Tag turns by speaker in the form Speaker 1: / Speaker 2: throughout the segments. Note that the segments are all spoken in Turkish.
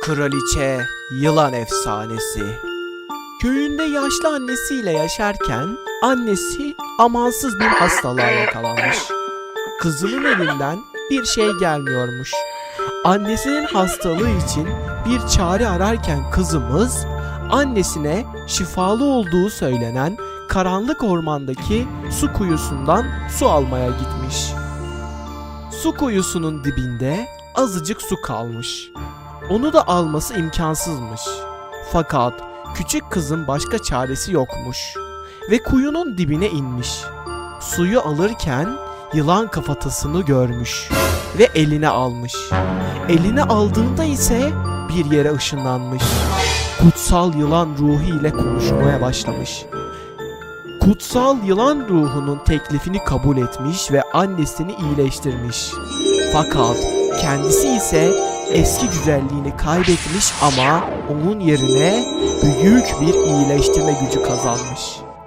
Speaker 1: Kraliçe Yılan Efsanesi. Köyünde yaşlı annesiyle yaşarken annesi amansız bir hastalığa yakalanmış. Kızının elinden bir şey gelmiyormuş. Annesinin hastalığı için bir çare ararken kızımız annesine şifalı olduğu söylenen karanlık ormandaki su kuyusundan su almaya gitmiş. Su kuyusunun dibinde azıcık su kalmış. Onu da alması imkansızmış. Fakat küçük kızın başka çaresi yokmuş ve kuyunun dibine inmiş. Suyu alırken yılan kafatasını görmüş ve eline almış. Eline aldığında ise bir yere ışınlanmış. Kutsal yılan ruhu ile konuşmaya başlamış. Kutsal yılan ruhunun teklifini kabul etmiş ve annesini iyileştirmiş. Fakat kendisi ise eski güzelliğini kaybetmiş ama onun yerine büyük bir iyileştirme gücü kazanmış.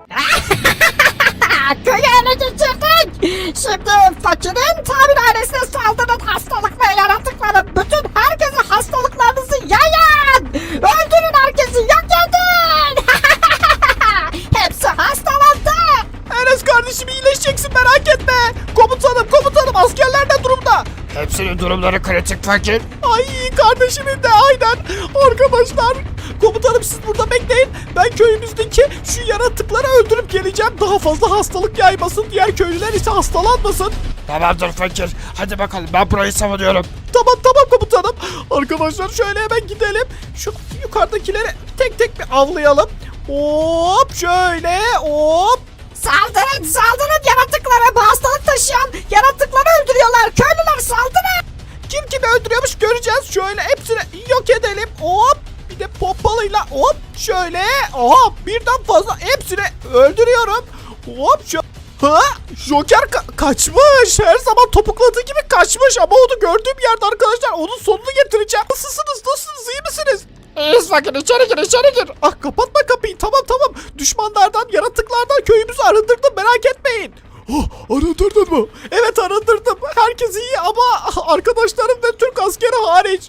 Speaker 2: Köyü ele geçirdik. Şimdi fakirin tabir ailesine saldıran hastalık ve yaratıkları bütün herkese hastalıklarınızı yayın. Öldürün herkesi, yok edin. Hepsi hastalandı.
Speaker 1: Enes kardeşim iyileşeceksin, merak etme. Komutanım askerler ne durumda?
Speaker 3: Hepsinin durumları kritik fakir.
Speaker 1: Ay kardeşimin de aynen. Arkadaşlar komutanım siz burada bekleyin. Ben köyümüzdeki şu yaratıkları öldürüp geleceğim. Daha fazla hastalık yaymasın. Diğer köylüler ise hastalanmasın.
Speaker 3: Tamamdır fakir. Hadi bakalım, ben burayı savunuyorum.
Speaker 1: Tamam komutanım. Arkadaşlar şöyle hemen gidelim. Şu yukarıdakileri tek tek bir avlayalım. Hop şöyle hop.
Speaker 2: Saldırın yaratıklara. Bu hastalık taşıyan yaratıkları öldürüyorlar. Köylüler saldırın.
Speaker 1: Kim kimi öldürüyormuş göreceğiz. Şöyle hepsini yok edelim. Hop. Bir de pompalıyla hop şöyle. Hop birden fazla hepsini öldürüyorum. Hop şu. Ha? Joker kaçmış. Her zaman topukladığı gibi kaçmış ama onu gördüğüm yerde arkadaşlar onun sonunu getireceğim. Nasılsınız? İyi misiniz?
Speaker 3: İyiyiz fakir, içeri gir.
Speaker 1: Ah kapatma kapıyı. Tamam. Düşmanlardan, yaratıklardan köyümüzü arındırdım, merak etmeyin. Oh, arındırdın mı? Evet arındırdım. Herkes iyi ama arkadaşlarım ve Türk askeri hariç.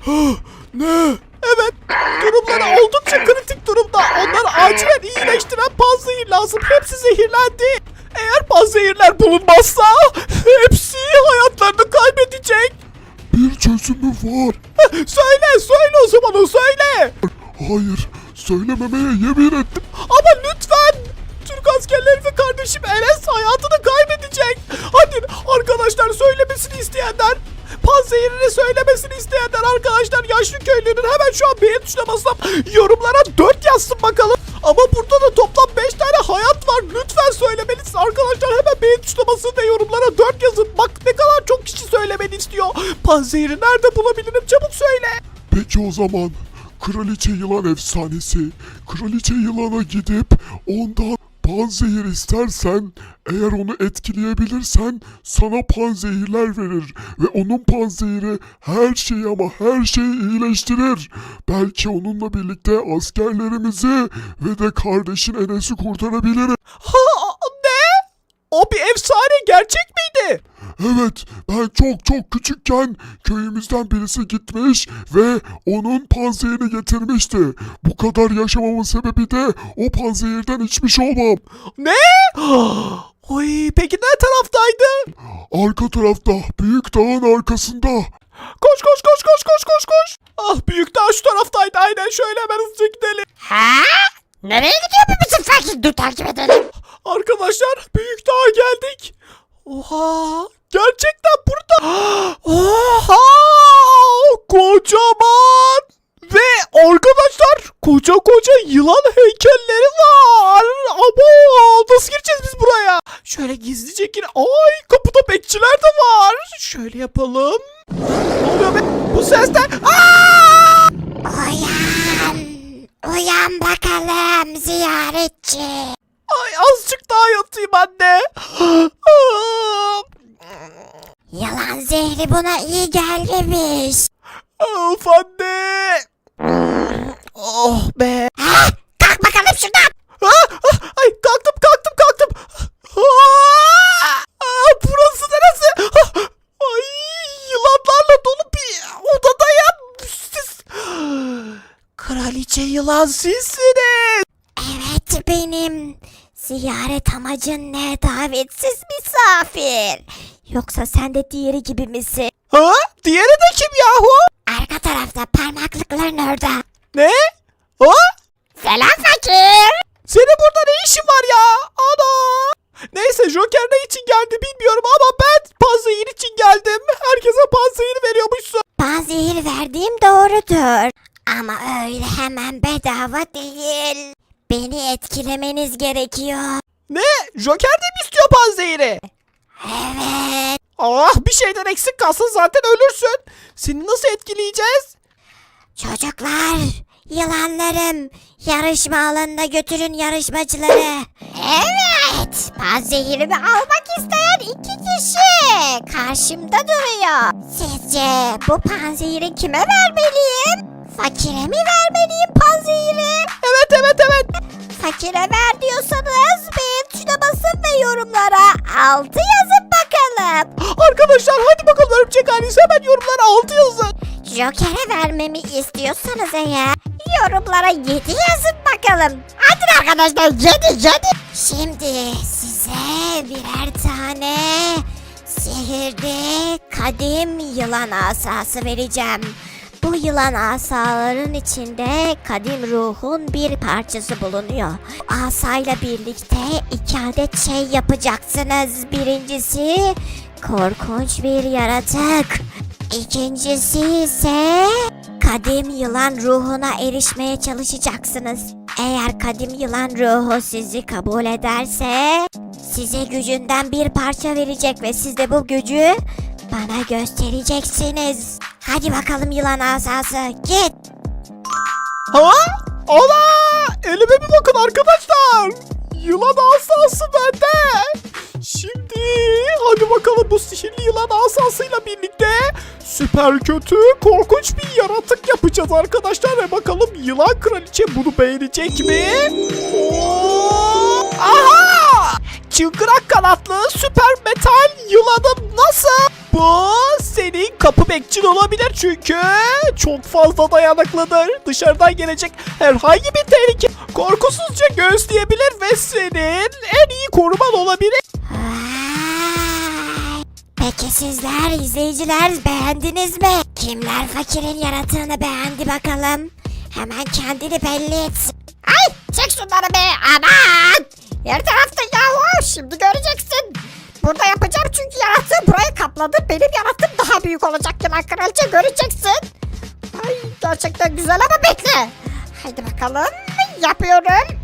Speaker 1: Ne? Evet. Durumları oldukça kritik durumda. Onları acilen iyileştiren panzehir lazım. Hepsi zehirlendi. Eğer panzehirler bulunmazsa hepsi hayatlarını kaybedecek.
Speaker 4: Bir çözümü var.
Speaker 1: Söyle o zaman o söyle.
Speaker 4: Hayır, söylememeye yemin ettim.
Speaker 1: Ama lütfen. Türk askerleri ve kardeşim Enes hayatını kaybedecek. Hadi arkadaşlar söylemesini isteyenler. Panzehirini söylemesini isteyenler arkadaşlar yaşlı köylünün hemen şu an beğen tuşuna basıp yorumlara 4 yazsın bakalım. Ama burada da toplam 5 tane hayat var. Lütfen söylemelisin arkadaşlar, hemen beğen tuşuna basın ve yorumlara 4 yazın. Bak ne kadar çok kişi söylemeni istiyor. Panzehiri nerede bulabilirim, çabuk söyle.
Speaker 4: Peki o zaman Kraliçe Yılan Efsanesi. Kraliçe Yılan'a gidip ondan panzehir istersen, eğer onu etkileyebilirsen sana panzehirler verir ve onun panzehiri her şeyi ama her şeyi iyileştirir. Belki onunla birlikte askerlerimizi ve de kardeşin Enes'i kurtarabiliriz.
Speaker 1: Ne? O bir efsane, gerçek miydi?
Speaker 4: Evet, ben çok küçükken köyümüzden birisi gitmiş ve onun panzehirini getirmişti. Bu kadar yaşamamın sebebi de o panzehirden içmiş olmam.
Speaker 1: Ne? Oy, peki ne taraftaydı?
Speaker 4: Arka tarafta, büyük dağın arkasında.
Speaker 1: Koş. Ah, büyük dağ şu taraftaydı, aynen, şöyle hemen hızlıca gidelim.
Speaker 2: Ha? Nereye gidiyor bu bizim fakir? Dur takip edelim.
Speaker 1: Arkadaşlar büyük dağa geldik. Oha, gerçekten burada. Oha, kocaman. Ve arkadaşlar koca yılan heykelleri var. Ama nasıl gireceğiz biz buraya? Şöyle gizlice gir. Ay, kapıda bekçiler de var. Şöyle yapalım. Ne oluyor be? Bu ses de. Aa!
Speaker 2: Uyan bakalım ziyaretçi.
Speaker 1: Ay, azıcık daha yatayım anne.
Speaker 2: Yalan zehri buna iyi gelmemiş.
Speaker 1: Of anne. Oh be.
Speaker 2: Kalk bakalım şuradan.
Speaker 1: Ay, kalktım. Burası neresi? Ay, yılanlarla dolu bir odadayım. Siz Kraliçe yılan sizsiniz.
Speaker 5: Evet benim. Ziyaret amacın ne davetsiz misafir? Yoksa sen de diğeri gibi misin?
Speaker 1: Ha? Diğeri de kim yahu?
Speaker 5: Arka tarafta parmaklıkların orada.
Speaker 1: Ne? Ha?
Speaker 5: Selam fakir.
Speaker 1: Senin burada ne işin var ya? Ana! Neyse Joker ne için geldi bilmiyorum ama ben panzehir için geldim. Herkese panzehir veriyormuşsun.
Speaker 5: Panzehir verdiğim doğrudur. Ama öyle hemen bedava değil. Beni etkilemeniz gerekiyor.
Speaker 1: Ne? Joker de mi istiyor panzehiri?
Speaker 5: Evet.
Speaker 1: Ah bir şeyden eksik kalsın zaten ölürsün. Seni nasıl etkileyeceğiz?
Speaker 5: Çocuklar, yılanlarım, yarışma alanına götürün yarışmacıları. Evet, panzehirimi almak isteyen 2 kişi karşımda duruyor. Sizce bu panzehiri kime vermeliyim? Fakire mi vermeliyim panzehiri?
Speaker 1: Evet.
Speaker 5: Fakire ver diyorsanız beğen tuşuna basın ve yorumlara 6 yazın bakalım.
Speaker 1: Arkadaşlar hadi bakalım örümcek ailesi hemen yorumlara 6 yazın.
Speaker 5: Joker'e vermemi istiyorsanız eğer yorumlara 7 yazın bakalım. Hadi arkadaşlar 7. Şimdi size birer tane sihirli kadim yılan asası vereceğim. Bu yılan asaların içinde kadim ruhun bir parçası bulunuyor. Asayla birlikte 2 adet şey yapacaksınız. Birincisi korkunç bir yaratık. İkincisi ise kadim yılan ruhuna erişmeye çalışacaksınız. Eğer kadim yılan ruhu sizi kabul ederse size gücünden bir parça verecek ve siz de bu gücü bana göstereceksiniz. Hadi bakalım yılan asası git.
Speaker 1: Ha? Ola! Elime bir bakın arkadaşlar. Yılan asası bende. Şimdi hadi bakalım bu sihirli yılan asasıyla birlikte süper kötü korkunç bir yaratık yapacağız arkadaşlar. Ve bakalım yılan kraliçe bunu beğenecek mi? Oo! Aha! Çıngırak kanatlı süper metal yılanım nasıl? Bu senin kapı bekçin olabilir çünkü çok fazla dayanıklıdır. Dışarıdan gelecek herhangi bir tehlike korkusuzca göğüsleyebilir ve senin en iyi koruman olabilir.
Speaker 5: Vay! Peki sizler izleyiciler beğendiniz mi? Kimler fakirin yaratığını beğendi bakalım? Hemen kendini belli etsin.
Speaker 2: Ay çek şunları be aman. Her tarafta yahu şimdi göreceksin. Burada yapacağım çünkü yaratığı burayı kapladı. Benim yaratığım daha büyük olacak yılan kraliçe göreceksin. Ay gerçekten güzel ama bekle. Haydi bakalım yapıyorum.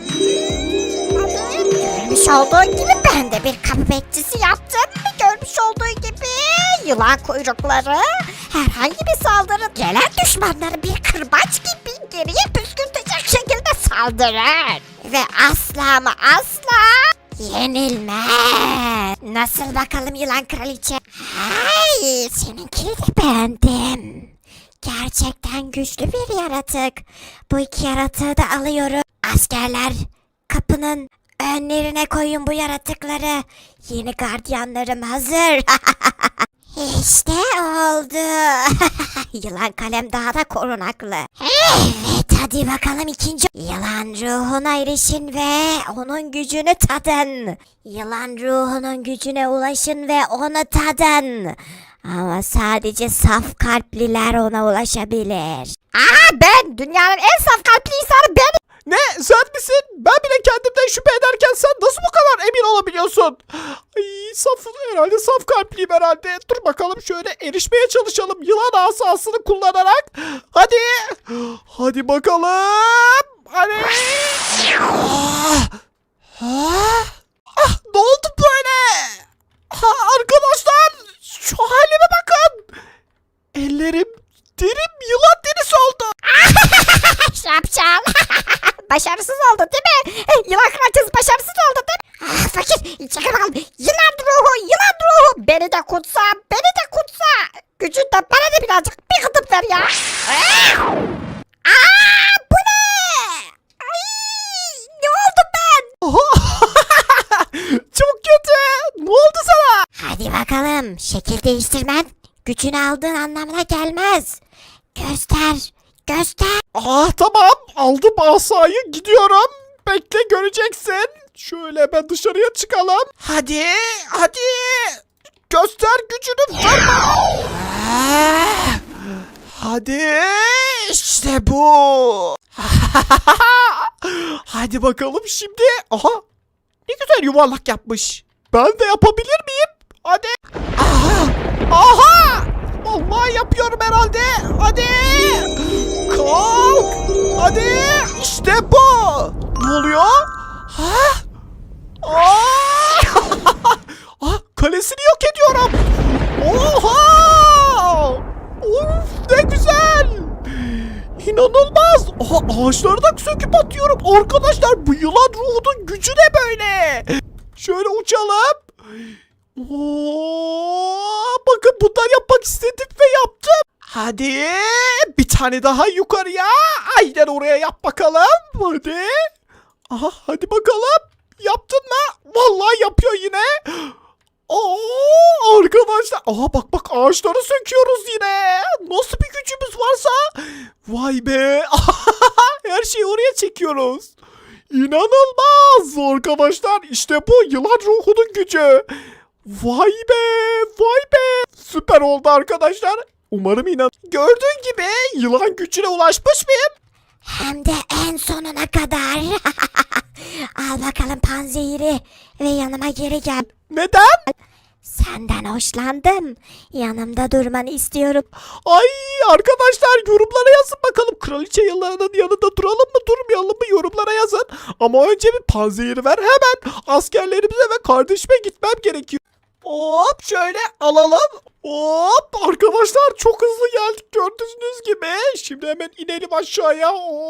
Speaker 2: Görmüş olduğun gibi ben de bir kapı bekçisi yaptım. Görmüş olduğu gibi yılan kuyrukları herhangi bir saldırı gelen düşmanları bir kırbaç gibi geriye püskürtecek şekilde saldırır.
Speaker 5: Ve asla ama asla yenilmez. Nasıl bakalım yılan kraliçe? Ay, seninkini de beğendim. Gerçekten güçlü bir yaratık. Bu 2 yaratığı da alıyorum. Askerler kapının önlerine koyun bu yaratıkları. Yeni gardiyanlarım hazır. İşte oldu. Yılan kalem daha da korunaklı. Evet hadi bakalım ikinci. Yılan ruhuna erişin ve onun gücünü tadın. Yılan ruhunun gücüne ulaşın ve onu tadın. Ama sadece saf kalpliler ona ulaşabilir.
Speaker 2: Aha ben dünyanın en saf kalpli insanı benim.
Speaker 1: Ne sen misin? Ben bile kendimden şüphe ederken sen nasıl bu kadar emin olabiliyorsun? Ay herhalde saf kalpliyim herhalde. Dur bakalım şöyle erişmeye çalışalım yılan asasını kullanarak. Hadi. Hadi bakalım. Hadi. Ne oldu böyle? Arkadaşlar şu halime bakın. Ellerim derim yılan derisi oldu.
Speaker 2: Şapşal. Başarısız oldu değil mi? Yılan kraliçesi başarısız oldu değil mi? Ah, fakir çekil bakalım. Yılan ruhu. Beni de kutsa. Gücünden bana da birazcık bir gıdıp ver ya. Bu ne? Ay, ne oldu ben?
Speaker 1: Çok kötü. Ne oldu sana?
Speaker 5: Hadi bakalım şekil değiştirmen gücünü aldığın anlamına gelmez. Göster Göster.
Speaker 1: Ah tamam, aldım asayı, gidiyorum. Bekle, göreceksin. Şöyle ben dışarıya çıkalım. Hadi hadi. Göster gücünü, vur bana. Ah, hadi işte bu. Hadi bakalım şimdi. Aha, ne güzel yuvarlak yapmış. Ben de yapabilir miyim? Hadi. Aha. Aha. Vallahi yapıyorum herhalde. Hadi. Kalk. Hadi. İşte bu. Ne oluyor? Ha? Aa! Ah, kalesini yok ediyorum. Oha! Of, ne güzel. İnanılmaz. Aha, ağaçları da söküp atıyorum. Arkadaşlar, bu yılan ruhunun gücü ne böyle? Şöyle uçalım. Oo, bakın bundan yapmak istedim ve yaptım. Hadi bir tane daha yukarıya. Aynen oraya yap bakalım. Hadi. Aha, hadi bakalım. Yaptın mı? Vallahi yapıyor yine. Oo, arkadaşlar. Aha, bak bak, ağaçları söküyoruz yine. Nasıl bir gücümüz varsa. Vay be. Her şeyi oraya çekiyoruz. İnanılmaz arkadaşlar. İşte bu yılan ruhunun gücü. Vay be, vay be. Süper oldu arkadaşlar. Umarım Gördüğün gibi yılan gücüne ulaşmış mıyım?
Speaker 5: Hem de en sonuna kadar. Al bakalım panzehiri ve yanıma geri gel.
Speaker 1: Neden?
Speaker 5: Senden hoşlandım. Yanımda durmanı istiyorum.
Speaker 1: Ay arkadaşlar, yorumlara yazın bakalım. Kraliçe yılanının yanında duralım mı durmayalım mı, yorumlara yazın. Ama önce bir panzehiri ver, hemen askerlerimize ve kardeşime gitmem gerekiyor. Hop, şöyle alalım. Hop, arkadaşlar çok hızlı geldik gördüğünüz gibi. Şimdi hemen inelim aşağıya.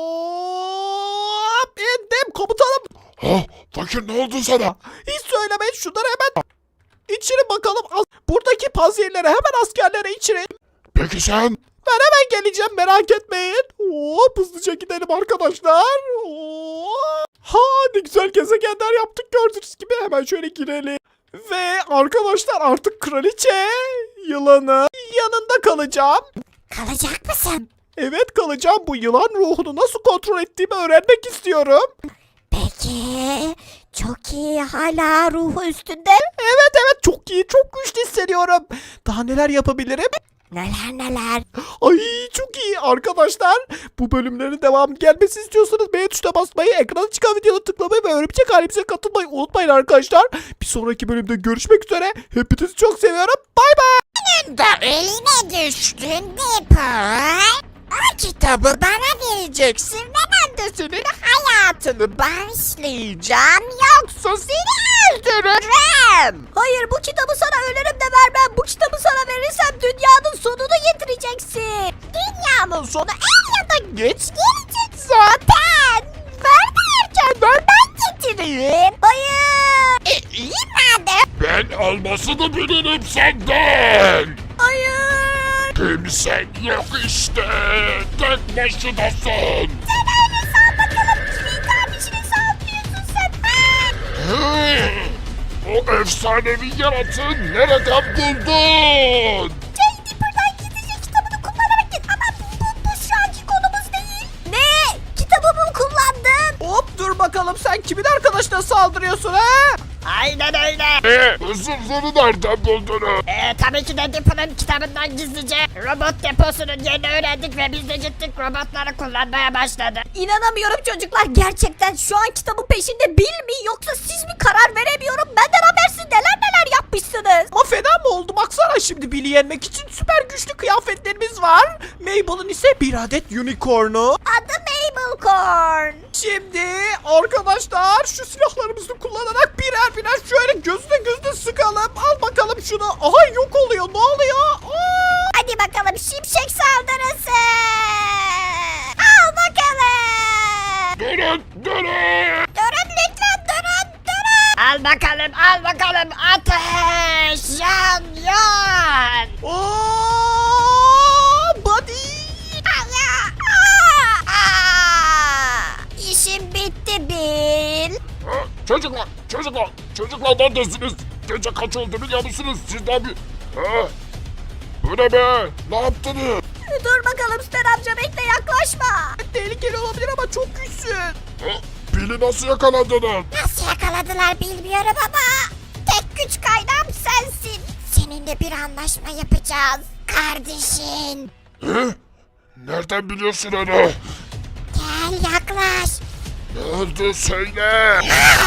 Speaker 1: Hop, indim komutanım.
Speaker 4: Ha, fakir ne oldu sana?
Speaker 1: Hiç söylemeyin, şunları hemen içirin bakalım. Buradaki panzehirleri hemen askerlere içirin.
Speaker 4: Peki sen?
Speaker 1: Ben hemen geleceğim, merak etmeyin. Hop, hızlıca gidelim arkadaşlar. Hop. Ha, ne güzel gezegenler yaptık gördüğünüz gibi. Hemen şöyle girelim. Ve arkadaşlar artık kraliçe yılanı yanında kalacağım.
Speaker 5: Kalacak mısın?
Speaker 1: Evet, kalacağım. Bu yılan ruhunu nasıl kontrol ettiğimi öğrenmek istiyorum.
Speaker 5: Peki. Çok iyi, hala ruhu üstünde.
Speaker 1: Evet, çok iyi, çok güçlü hissediyorum. Daha neler yapabilirim?
Speaker 5: Neler neler.
Speaker 1: Ay, çok iyi arkadaşlar. Bu bölümlerin devamı gelmesi istiyorsanız beğen tuşuna basmayı, ekrana çıkan videoda tıklamayı ve örümcek ailemize katılmayı unutmayın arkadaşlar. Bir sonraki bölümde görüşmek üzere. Hepinizi çok seviyorum. Bay bay.
Speaker 5: Da eline düştün Dipper. O kitabı bana vereceksin ve ben de senin hayatını bağışlayacağım. Yoksa seni öldürürüm. Hayır, bu kitabı sana ölürüm de vermem. Bu kitabı sana verirsem dünyanın sonunu getireceksin. Dünyanın sonu er ya da geç gelecek zaten. Ver derken ver, ben getireyim. Hayır. İyi madem.
Speaker 4: Ben almasını bilirim senden.
Speaker 5: Hayır.
Speaker 4: Kimsen yok işte. Tek başınasın.
Speaker 5: Sen öyle sal bakalım. Kimin kardeşini sallıyorsun sen?
Speaker 4: O efsanevi yaratığı nereden buldun?
Speaker 5: Jane Dipper'dan gizlice kitabını kullanarak git. Ama bu şu anki konumuz değil. Ne? Kitabımı kullandın?
Speaker 1: Hop, dur bakalım, sen kimin arkadaşına saldırıyorsun ha?
Speaker 2: Aynen öyle.
Speaker 4: Hızırları nereden buldunuz?
Speaker 2: Tabii ki de Dipper'ın kitabından gizlice robot deposunun yerini öğrendik ve biz de gittik robotları kullanmaya başladık.
Speaker 5: İnanamıyorum çocuklar. Gerçekten şu an kitabın peşinde Bill mi yoksa siz mi, karar veremiyorum. Benden habersiz neler yapmışsınız.
Speaker 1: Ama fena mı oldu? Baksana, şimdi Bill'i yenmek için süper güçlü kıyafetlerimiz var. Mabel'ın ise bir adet unicorn'u.
Speaker 5: Adı Mabel Corn.
Speaker 1: Şimdi arkadaşlar şu silahlarımızı kullanarak birer şöyle gözüne sıkalım. Al bakalım şunu. Aha, yok oluyor. Ne oluyor? Aa!
Speaker 5: Hadi bakalım, şimşek saldırısı. Al bakalım.
Speaker 4: Durun.
Speaker 5: Durun lütfen, durun.
Speaker 2: Al bakalım ateş yan.
Speaker 1: Aa! Buddy!
Speaker 5: İşim bitti Bill.
Speaker 4: Çocuklar neredesiniz? Gece kaç oldu biliyor musunuz? Sizden bir... Bu ne be? Ne yaptınız?
Speaker 5: Dur bakalım Sten amca, bekle, yaklaşma.
Speaker 4: Bill'i nasıl yakaladınız?
Speaker 5: Nasıl yakaladılar bilmiyorum ama tek güç kaynağım sensin. Seninle bir anlaşma yapacağız kardeşin.
Speaker 4: Nereden biliyorsun onu?
Speaker 5: Gel yaklaş.
Speaker 4: Ne oldu söyle.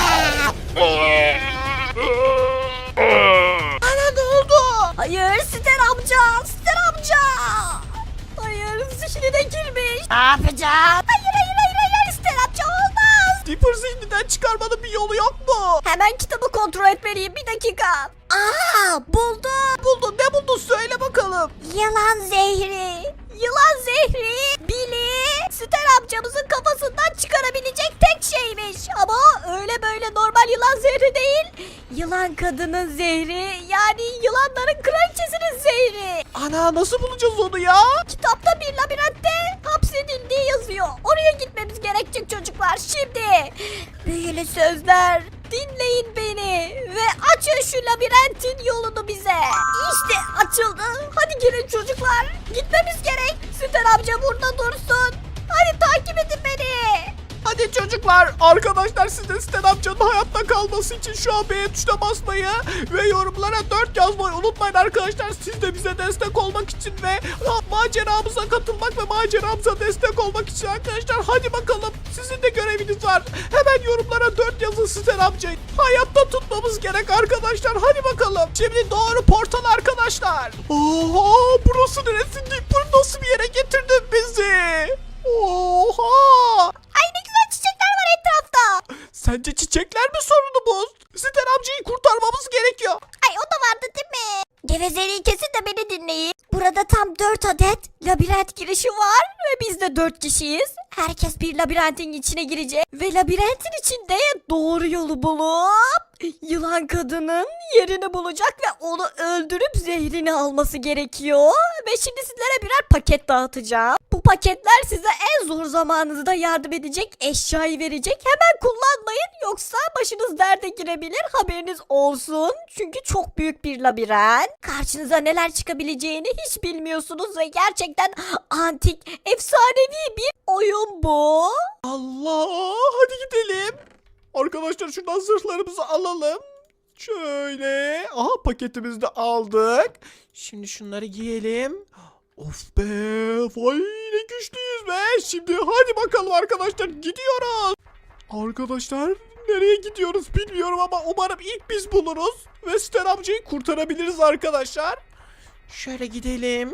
Speaker 2: Ana ne oldu? Hayır Ster amca. Ster amca. Hayır zihnine girmiş.
Speaker 5: Ne yapacağız?
Speaker 2: Hayır Ster amca olmaz. Dipper zihninden çıkarmanın bir yolu yok mu? Hemen kitabı kontrol etmeliyim bir dakika.
Speaker 5: Aa buldum.
Speaker 2: Buldun ne buldun söyle bakalım.
Speaker 5: Yılan zehri.
Speaker 2: Yılan zehri Billy Ster amcamızın kafasından çıkarabilecek tek şeymiş. Ama öyle böyle normal yılan zehri değil. Yılan kadının zehri yani yılanların kraliçesinin zehri. Ana nasıl bulacağız onu ya? Kitapta bir labirentte hapsedildiği yazıyor. Oraya gitmemiz gerekecek çocuklar şimdi. Büyülü sözler dinleyin beni ve açın şu labirentin yolunu bize. İşte açıldı. Hadi girin çocuklar. Gitmemiz gerek. Ster amca burada dursun. Hadi takip edin beni. Hadi çocuklar. Arkadaşlar siz de Ster amcanın hayatta kalması için şu an beğen tuşuna basmayı ve yorumlara 4 yazmayı unutmayın arkadaşlar. Siz de bize destek olmak için ve maceramıza katılmak ve maceramıza destek olmak için arkadaşlar. Hadi bakalım. Sizin de göreviniz var. Hemen yorumlara 4 yazın Ster amcayı. Hayatta tutmamız gerek arkadaşlar. Hadi bakalım. Şimdi doğru portal arkadaşlar. Oha burası neresi? Dipper nasıl bir yere getirdin bizi? Oha. Ay ne güzel çiçekler var etrafta. Sence çiçekler mi sorunumuz? Ster amcayı kurtarmamız gerekiyor. Ay o da vardı değil mi? Gevezeliği kesin de beni dinleyin. Burada tam 4 adet labirent girişi var ve biz de 4 kişiyiz. Herkes bir labirentin içine girecek ve labirentin içinde doğru yolu bulup yılan kadının yerini bulacak ve onu öldürüp zehrini alması gerekiyor. Ve şimdi sizlere birer paket dağıtacağım. Bu paketler size en zor zamanınızda yardım edecek, eşyayı verecek. Hemen kullanmayın yoksa başınız derde girebilir, haberiniz olsun. Çünkü çok büyük bir labirent. Karşınıza neler çıkabileceğini hiç bilmiyorsunuz ve gerçekten antik, efsanevi bir oyun bu. Allah, hadi gidelim. Arkadaşlar şuradan zırhlarımızı alalım. Şöyle. Aha paketimizi de aldık. Şimdi şunları giyelim. Of be. Vay ne güçlüyüz be. Şimdi hadi bakalım arkadaşlar gidiyoruz. Arkadaşlar nereye gidiyoruz bilmiyorum ama umarım ilk biz buluruz. Ve Ster amcayı kurtarabiliriz arkadaşlar. Şöyle gidelim.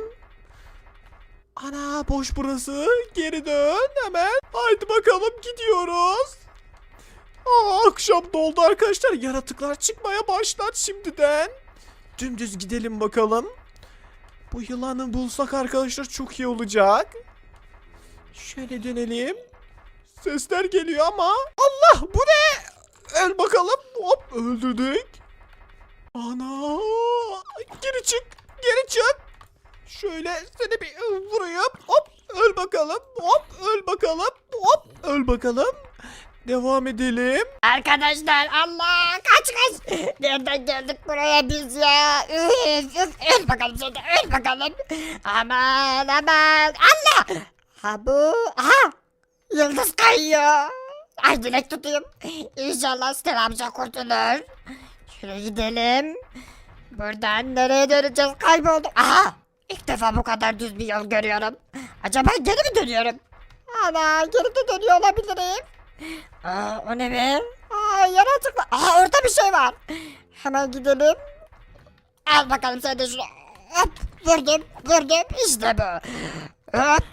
Speaker 2: Ana boş burası. Geri dön hemen. Haydi bakalım gidiyoruz. Akşam doldu arkadaşlar. Yaratıklar çıkmaya başlar şimdiden. Dümdüz gidelim bakalım. Bu yılanı bulsak arkadaşlar çok iyi olacak. Şöyle dönelim. Sesler geliyor ama. Allah bu ne? Öl bakalım. Hop öldürdük. Ana. Geri çık. Geri çık. Şöyle seni bir vurayım. Hop öl bakalım. Hop öl bakalım. Hop öl bakalım. Devam edelim. Arkadaşlar Allah kaç. Nereden geldik buraya biz ya? Öl bakalım sen de öl bakalım. Aman Allah. Ha bu. Aha. Yıldız kayıyor. Ay dilek tutayım. İnşallah Ster amca kurtulur. Şuraya gidelim. Buradan nereye döneceğiz kaybolduk. Aha. İlk defa bu kadar düz bir yol görüyorum. Acaba geri mi dönüyorum? Ana geri de dönüyor olabilirim. Aa, o ne be? Aa, yaratıklar. Aa, orada bir şey var. Hemen gidelim. Al bakalım sen de şunu. Hop, vurdum. İşte bu. Hop,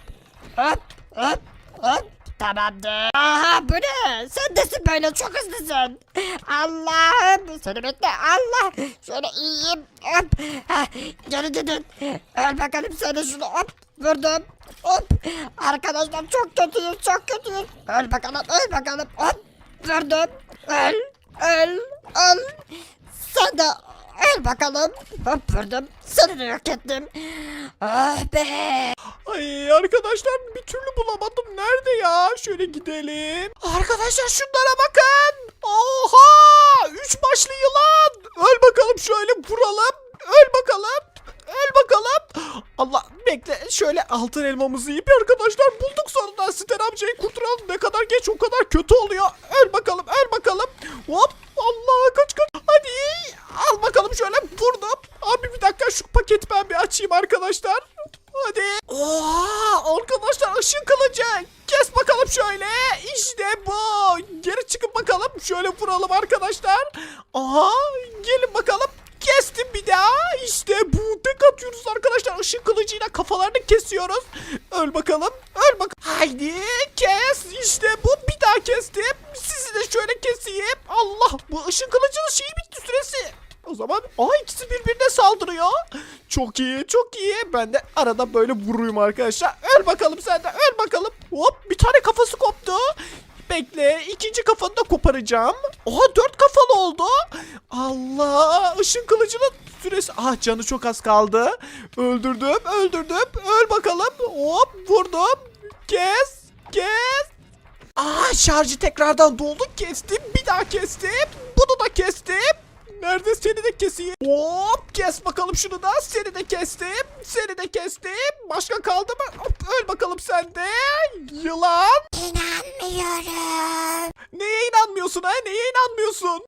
Speaker 2: hop. Tamamdır. Aha, bu ne? Sen desin böyle çok hızlısın. Allah'ım. Seni bekle. Allah. Şöyle iyiyim. Hop. Heh, geri gidin. Öl bakalım sen de şunu. Hop, vurdum. Hop. Arkadaşlar çok kötüyüz. Öl bakalım. Hop. Vurdum. Öl. Sen de öl bakalım. Hop vurdum. Seni de yok ettim. Ah be. Ay arkadaşlar bir türlü bulamadım. Nerede ya? Şöyle gidelim. Arkadaşlar şunlara bakın. Oha! 3 başlı yılan. Öl bakalım şöyle vuralım. Öl bakalım. Allah bekle şöyle altın elmamızı yiyip arkadaşlar bulduk sonunda
Speaker 1: Aster amcayı kurtaralım. Ne kadar geç o kadar kötü oluyor. Öl bakalım, öl bakalım. Hop. Allah, kaç kaç. Hadi. Al bakalım, şöyle vurdum. Abi bir dakika, şu paketi ben bir açayım arkadaşlar. Hadi. Oha, arkadaşlar ışın kılıcı. Kes bakalım şöyle. İşte bu. Geri çıkın bakalım. Şöyle vuralım arkadaşlar. Aha, gelin bakalım. Kestim bir daha. İşte bu. Tek atıyoruz arkadaşlar. Işın kılıcıyla kafalarını kesiyoruz. Öl bakalım. Öl bak. Haydi kes. İşte bu. Bir daha kestim. Sizi de şöyle keseyim. Allah. Bu ışın kılıcının şeyi bitti, süresi. O zaman ikisi birbirine saldırıyor. Çok iyi, çok iyi. Ben de arada böyle vuruyum arkadaşlar. Öl bakalım sen de. Öl bakalım. Hop, bir tane kafası koptu. Bekle, ikinci kafanı da koparacağım. Oha, 4 kafalı oldu. Allah, ışın kılıcının süresi. Canı çok az kaldı. Öldürdüm, öldürdüm. Öl bakalım. Hop, vurdum. Kes, kes. Şarjı tekrardan doldu. Kestim, bir daha kestim. Bunu da kestim. Nerede, seni de keseyim. Hop, kes bakalım şunu da. Seni de kestim. Seni de kestim. Başka kaldı mı? Hop, öl bakalım sen de. Yılan.
Speaker 5: İnanmıyorum.
Speaker 1: Neye inanmıyorsun ha? Neye inanmıyorsun?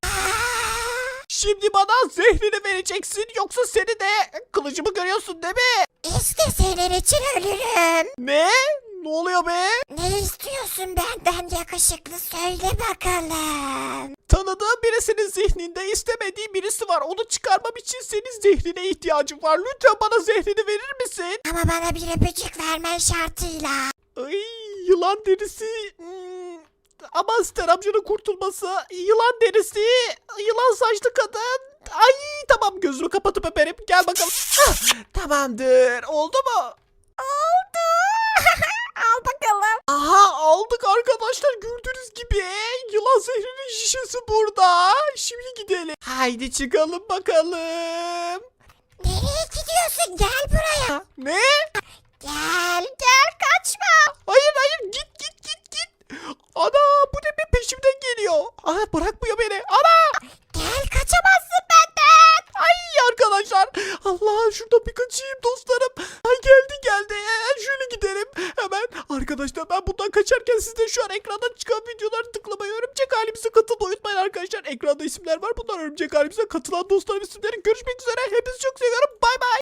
Speaker 1: Şimdi bana zehrini vereceksin. Yoksa seni de kılıcımı görüyorsun değil mi?
Speaker 5: İşte senin için ölürüm.
Speaker 1: Ne? Ne oluyor be?
Speaker 5: Ne istiyorsun benden yakışıklı, söyle bakalım.
Speaker 1: Tanıdığım birisinin zihninde istemediği birisi var. Onu çıkarmam için senin zehrine ihtiyacım var. Lütfen bana zehrini verir misin?
Speaker 5: Ama bana bir öpücük vermen şartıyla.
Speaker 1: Ay, yılan derisi. Ama Aster amcanın kurtulması. Yılan derisi. Yılan saçlı kadın. Ay, tamam, gözümü kapatıp öperim. Gel bakalım. Tamamdır. Oldu mu?
Speaker 2: Oldu. Al bakalım.
Speaker 1: Aha, aldık arkadaşlar, gördüğünüz gibi. Yılan zehrinin şişesi burada. Şimdi gidelim. Haydi çıkalım bakalım.
Speaker 5: Nereye gidiyorsun? Gel buraya.
Speaker 1: Ne?
Speaker 2: Gel gel, kaçma.
Speaker 1: Hayır hayır, git git git git. Ana, bu ne be, peşimden geliyor. Bırakmıyor beni. Ana.
Speaker 5: Gel, kaçamazsın benden.
Speaker 1: Ay arkadaşlar. Allah, şuradan bir kaçayım dostlarım. Ay, geldi geldi. Şöyle gidelim. Hemen arkadaşlar, ben bundan kaçarken siz de şu an ekranda çıkan videoları tıklamayı, örümcek halimize katılmayı unutmayın arkadaşlar. Ekranda isimler var. Bunlar örümcek halimize katılan dostlarım isimleri. Görüşmek üzere. Hepinizi çok seviyorum. Bay bay.